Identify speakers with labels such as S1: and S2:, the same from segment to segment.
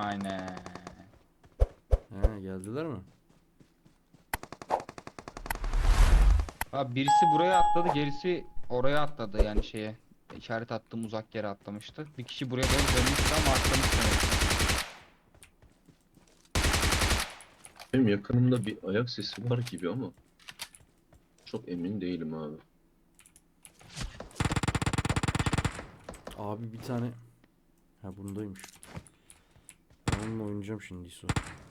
S1: Aynen.
S2: He, geldiler mi?
S1: Abi birisi buraya atladı, gerisi oraya atladı yani şeye. İşaret attığım uzak yere atlamıştı. Bir kişi buraya doğru dönmüştü ama atlamış demek ki.
S3: Benim yakınımda bir ayak sesi var gibi ama çok emin değilim abi.
S2: Abi bir tane. Ha, bundaymış. Ben onunla oynayacağım şimdi İso.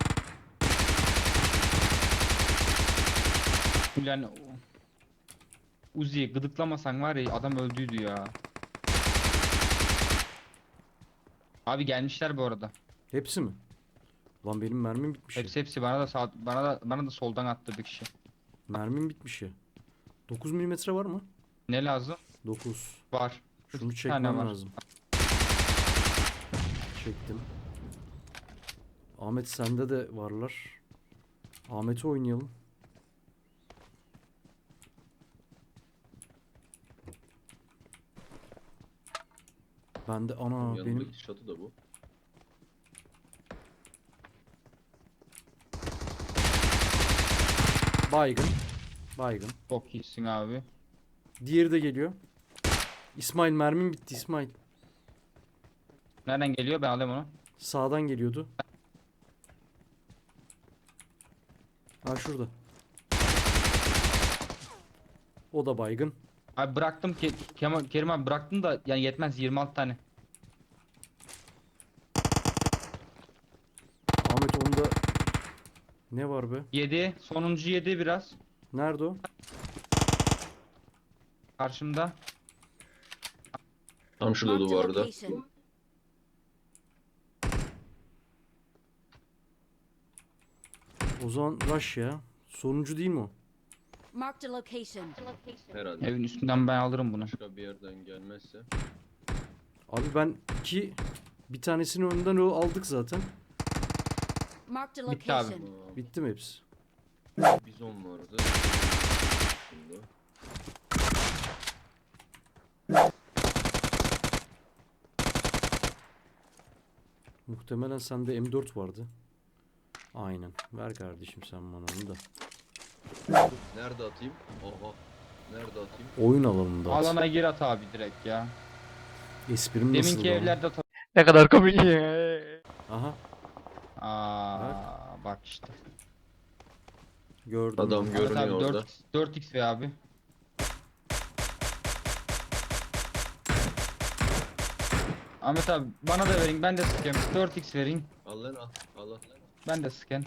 S1: Yani Uzi'yi gıdıklamasan var ya adam öldüydü ya. Abi gelmişler bu arada.
S2: Hepsi mi? Lan benim mermim bitmiş ya.
S1: Hepsi bana da bana da soldan attı bir kişi.
S2: Mermim bitmiş ya. 9 milimetre var mı?
S1: Ne lazım?
S2: 9.
S1: Var.
S2: Şunu
S1: 2 tane
S2: çekmem
S1: var.
S2: lazım. Çektim. Ahmet sende de varlar. Ahmet'i oynayalım. Bende ana benim
S3: Yanındaki çatı da bu.
S2: baygın. Baygın.
S1: Çok iyisin abi.
S2: Diğeri de geliyor. İsmail mermim bitti İsmail.
S1: Nereden geliyor? Ben alayım onu.
S2: Sağdan geliyordu. Ha, şurada. O da baygın.
S1: Abi bıraktım ki Kerim abi bıraktım da yani yetmez 26 tane.
S2: Ahmet onda ne var be?
S1: 7. Sonuncu 7 biraz.
S2: Nerede o?
S1: Karşımda.
S3: Tam şurada
S4: Marked a
S3: duvarda.
S4: location.
S2: O zaman rush ya. Sonuncu değil mi o?
S4: Marked a location.
S3: Herhalde.
S1: Evin üstünden ben alırım bunu.
S3: Başka bir yerden gelmezse.
S2: Abi ben bir tanesini önden o aldık zaten.
S4: Marked a
S1: Bitti abi.
S4: location.
S2: Bitti mi hepsi?
S3: Bizon vardı. Şunda.
S2: Muhtemelen sende M4 vardı. Aynen. Ver kardeşim sen bana onu da.
S3: Nerede atayım? Oha. Nerede atayım?
S2: Oyun alanında at.
S1: Alana gir at abi direkt ya.
S2: Esprim nasıl
S1: Deminki
S2: ama?
S1: evlerde at. Ne kadar komik.
S2: Aha,
S1: Bak işte.
S2: gördüm.
S3: Adam
S2: ben.
S1: Ahmet
S3: görünüyor
S1: abi
S3: orada.
S1: 4x ve abi. Ahmet abi bana da verin ben de sıkayım. 4x verin.
S3: Al lan al. Al al.
S1: Ben de sıkayım.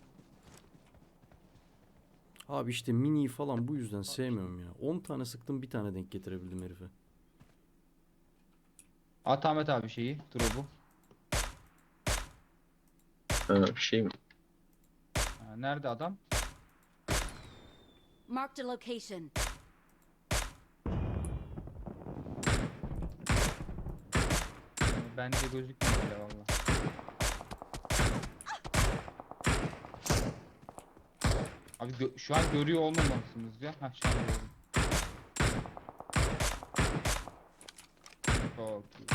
S2: Abi işte mini falan bu yüzden sevmiyorum ya. 10 tane sıktım, bir tane denk getirebildim herife.
S1: At Ahmet abi şeyi. Drop'u.
S3: Ha, bir şey mi?
S1: Nerede adam?
S4: Marked a location.
S1: Bence gözükmüyor bile valla. Abi şu an görüyor olmamalısınız ya. Hah şu an gördüm. Çok iyi.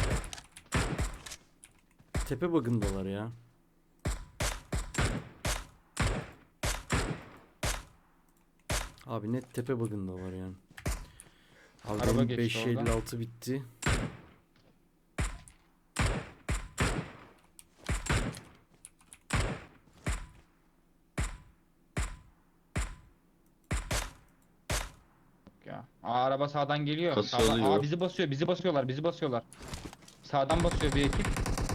S2: Tepe bug'ındalar ya. Abi net tepe bug'ındalar yani. Abi
S1: Araba
S2: benim
S1: geçti oradan.
S2: 556 bitti.
S1: Ya. Araba sağdan geliyor.
S3: Kası
S1: Sağdan.
S3: alıyor.
S1: Bizi basıyor. Bizi basıyorlar. Sağdan basıyor bir ekip.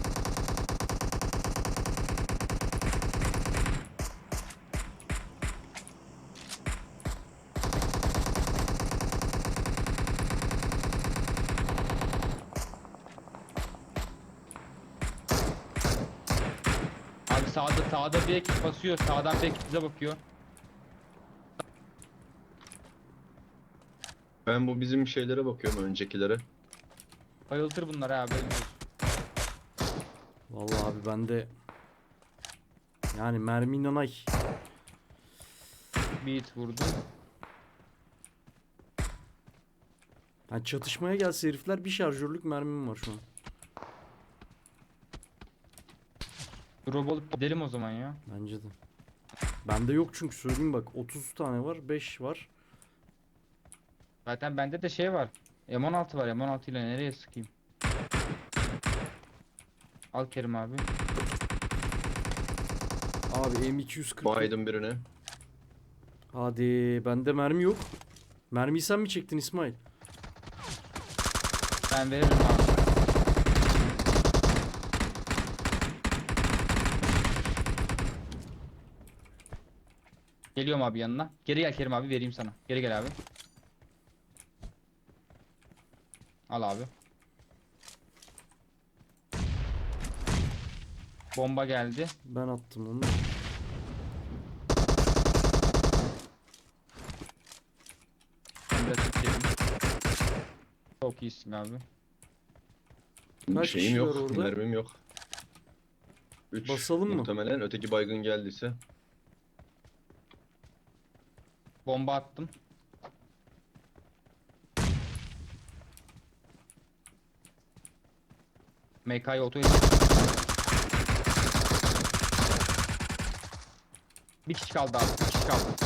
S1: Abi sağda bir ekip basıyor. Sağdan bir ekip bize bakıyor.
S3: Ben bu bizim şeylere bakıyorum, öncekilere.
S1: Bayıltır bunlar abi.
S2: Vallahi abi bende yani mermi nanay.
S1: Bir hit vurdum.
S2: Yani çatışmaya gelse herifler, bir şarjörlük mermim var şu an.
S1: Drop alıp gidelim o zaman ya.
S2: Bence de. Bende yok çünkü söyleyeyim bak 30 tane var 5 var.
S1: Zaten bende de şey var. M16 var. M16 ile nereye sıkayım? Al Kerim abi.
S2: Abi M240.
S3: Baydım birine.
S2: Hadi bende mermi yok. Mermiyi sen mi çektin İsmail?
S1: Ben veririm abi. Geliyorum abi yanına. Geri gel Kerim abi, vereyim sana. Geri gel abi. Al abi. Bomba geldi.
S2: Ben attım onu.
S1: Ben biraz çekeyim. Çok iyisin abi.
S2: Kaç
S3: Şeyim
S2: kişi var
S3: yok.
S2: orada?
S3: Mermim yok. 3
S2: Basalım mı?
S3: muhtemelen. Öteki baygın geldiyse.
S1: Bomba attım. MK'yı otoya. Bir kişi kaldı abi. Bir kişi kaldı.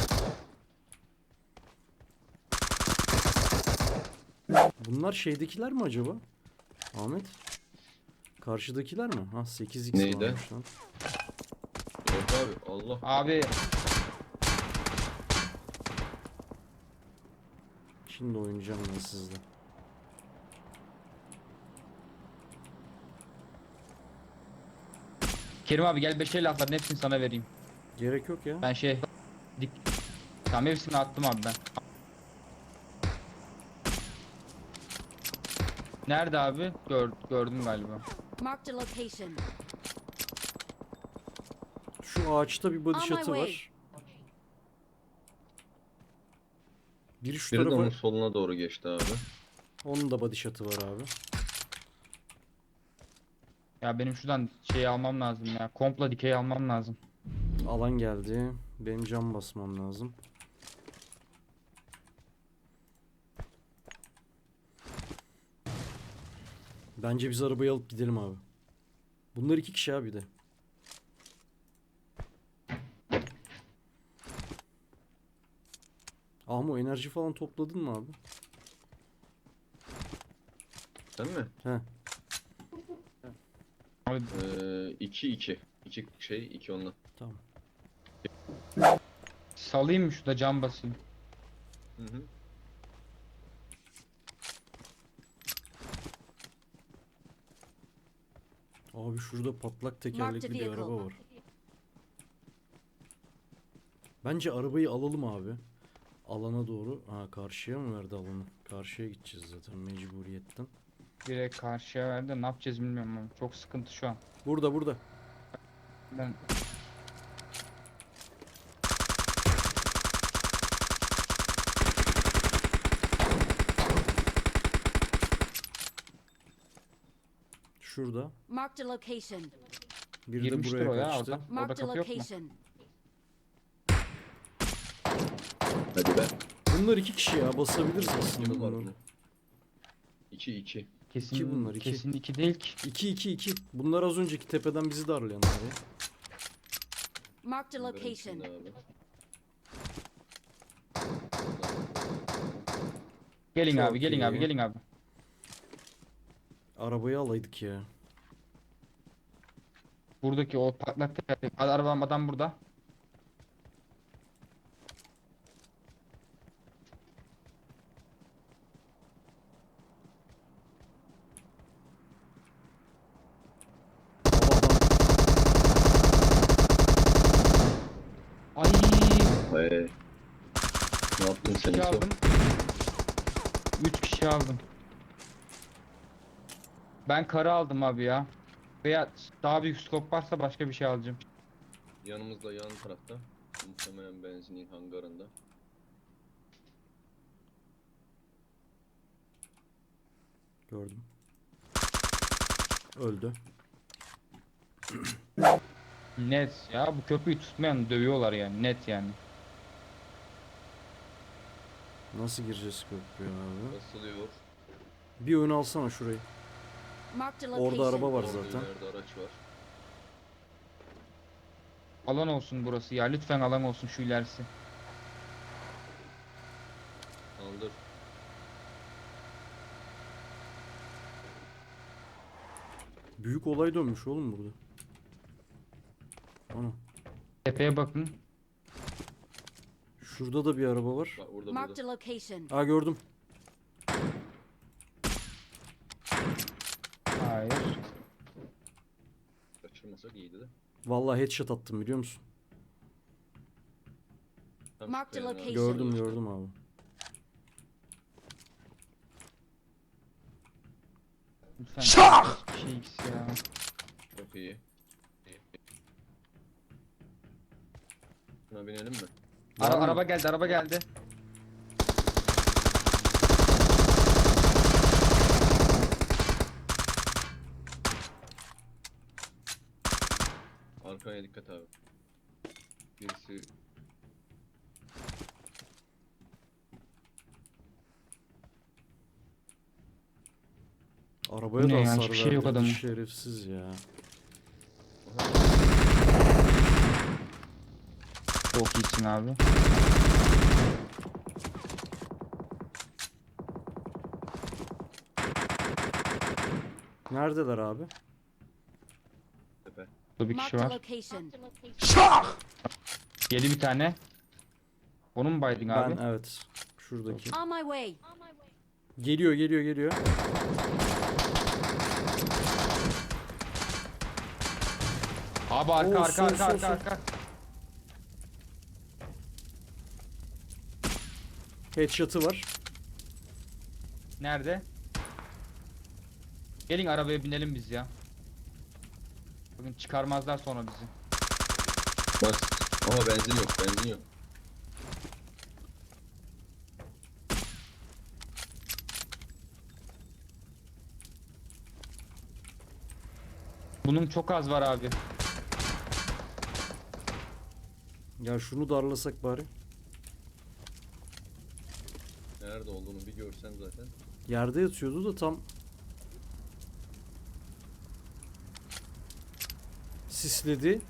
S2: Bunlar şeydekiler mi acaba? Ahmet. Karşıdakiler mi? Ha 8x
S3: Neydi?
S2: varmış lan.
S3: Yok abi. Allah.
S1: Abi
S2: Şimdi oynayacağım ben sizle.
S1: Kerim abi gel 5 el atların hepsini sana vereyim.
S2: Gerek yok ya.
S1: Ben şey dik. Tamam hepsini attım abi ben. Nerede abi? Gördüm galiba.
S4: Marked a location.
S2: Şu ağaçta bir body
S4: On my
S2: shot'ı
S4: way.
S2: var. Biri şu
S3: Biri de
S2: tarafa.
S3: onun soluna doğru geçti abi.
S2: Onun da body shot'ı var abi.
S1: Ya benim şuradan şey almam lazım ya. Komplo dikey almam lazım.
S2: Alan geldi. Benim cam basmam lazım. Bence biz arabayı alıp gidelim abi. Bunlar 2 kişi abi de. Ama enerji falan topladın mı abi?
S3: Sen mi?
S2: He.
S1: Abi
S3: 2-2. 2 şey 2 onunla.
S2: Tamam.
S1: salayım mı şurada, cam basayım.
S3: Hı hı.
S2: Abi şurada patlak tekerlekli bir
S4: vehicle.
S2: araba var. Bence arabayı alalım abi. Alana doğru. Ha karşıya mı verdi alanı? Karşıya gideceğiz zaten mecburiyetten.
S1: Direkt karşıya verdi. Ne yapacağız bilmiyorum ama çok sıkıntı şu an.
S2: Burada burada.
S1: Ben
S2: Şurada.
S4: Marked a location.
S2: Bir de
S1: girmiştir
S2: buraya
S1: o ya
S2: kaçtı.
S1: orada. Orada
S4: Marked a
S1: kapı yok mu?
S4: location.
S3: Hadi be.
S2: Bunlar 2 kişi ya basabiliriz aslında
S3: Kim var
S2: bunları.
S3: bunun? 2-2.
S1: Kesin
S2: İki bunlar, iki.
S1: kesin iki değil ki.
S2: 2-2-2. Bunlar az önceki tepeden bizi darlayanlar ya.
S4: Marked a
S3: Bunların
S4: location.
S3: içinde abi.
S1: Gelin
S2: Çok
S1: abi, gelin abi,
S2: iyi.
S1: gelin abi.
S2: Arabayı alaydık ya.
S1: Buradaki o patlak arabam adam burada.
S2: Abi adam
S1: Ay,
S3: Ne yaptın sen
S1: kişi
S3: İso?
S1: aldım. 3 kişi aldım. Ben karı aldım abi ya. Veya daha büyük skop varsa başka bir şey alacağım.
S3: Yanımızda yan tarafta. Muhtemelen benzinin hangarında.
S2: gördüm. Öldü.
S1: Net ya, bu köprüyü tutmayan dövüyorlar yani, net yani.
S2: Nasıl gireceğiz köprüye abi?
S3: Basılıyor.
S2: Bir ön alsana şurayı.
S4: Marked a
S2: Orada
S4: location.
S2: araba var
S3: Orada
S2: zaten.
S3: ileride araç var.
S1: Alan olsun burası ya. Lütfen alan olsun şu ilerisi.
S3: Kaldır.
S2: Büyük olay dönmüş oğlum burada. Ana.
S1: Tepeye bakın.
S2: Şurada da bir araba var.
S3: Bak burada
S4: Marked
S3: burada.
S4: a location.
S2: Aa gördüm.
S1: Hayır.
S3: Kaçırmasak iyiydi de.
S2: Vallahi headshot attım biliyor musun?
S3: Tam
S4: Mark the
S3: şu kayanın
S4: location.
S3: arkasında
S2: Gördüm
S3: işte.
S2: gördüm abi.
S1: Lütfen. Hiçbir şey X ya.
S3: Çok iyi. Buna binelim mi?
S2: Var mı?
S1: Araba geldi, araba geldi.
S3: Arkaya dikkat abi. Birisi
S2: Arabaya
S1: Bu
S2: da
S1: ne ya?
S2: hasar
S1: Hiçbir şey yok
S2: verdi.
S1: adamın.
S2: Şerefsiz ya.
S1: Çok iyisin abi.
S2: Neredeler abi?
S3: tepe.
S1: Burada bir kişi
S4: Marked a
S1: var.
S4: location.
S1: Yedi bir tane. Onu mu baydın abi?
S2: Ben evet. Şuradaki.
S4: On my way.
S2: Geliyor geliyor geliyor.
S1: Abi arka
S2: Oo,
S1: arka
S2: sol,
S1: arka
S2: sol,
S1: arka
S2: sol.
S1: arka.
S2: Headshot'ı var.
S1: Nerede? Gelin arabaya binelim biz ya. Bugün çıkarmazlar sonra bizi.
S3: Bas. Ama benzin yok, benzin yok.
S1: Bunun çok az var abi.
S2: Ya şunu darlasak bari.
S3: Nerede olduğunu bir görsen zaten.
S2: Yerde yatıyordu da tam sisledi.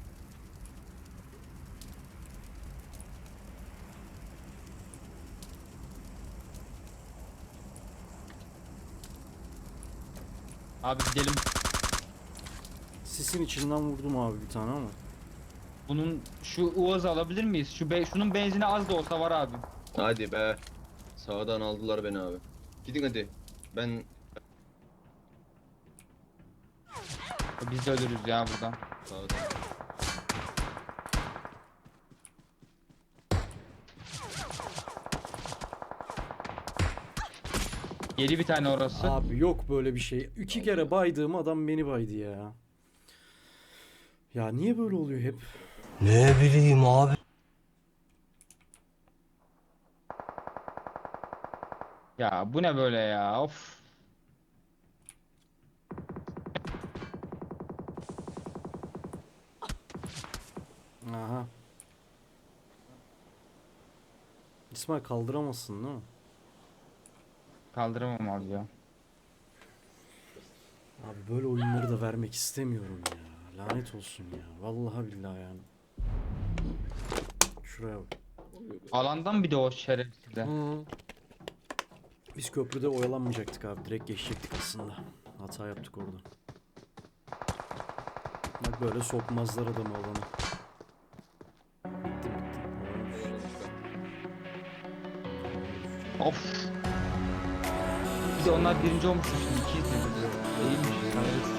S1: Abi gidelim.
S2: Sisin içinden vurdum abi bir tane ama.
S1: Bunun şu Uaz'ı alabilir miyiz? Şunun benzini az da olsa var abi.
S3: Hadi be. Sağdan aldılar beni abi. Gidin hadi. Ben
S1: Biz de ölürüz ya buradan.
S3: sağdan.
S1: Yedi bir tane orası.
S2: Abi yok böyle bir şey. 2 kere baydığım adam beni baydı ya. Ya niye böyle oluyor hep?
S5: Ne bileyim abi.
S1: Ya bu ne böyle ya? Of.
S2: Aha. İsmail kaldıramazsın değil mi?
S1: Kaldıramam abi ya.
S2: Abi böyle oyunları da vermek istemiyorum ya. Lanet olsun ya. Vallahi billahi yani. Şuraya bak.
S1: Alandan bir de o şerefsizde.
S2: Biz köprüde oyalanmayacaktık abi. Direkt geçecektik aslında. Hata yaptık orada. Bak böyle sokmazlar adamı alana. Bitti bitti.
S1: Of. Bir de onlar birinci olmuş şimdi. İkiyiz biz. Değilmiş.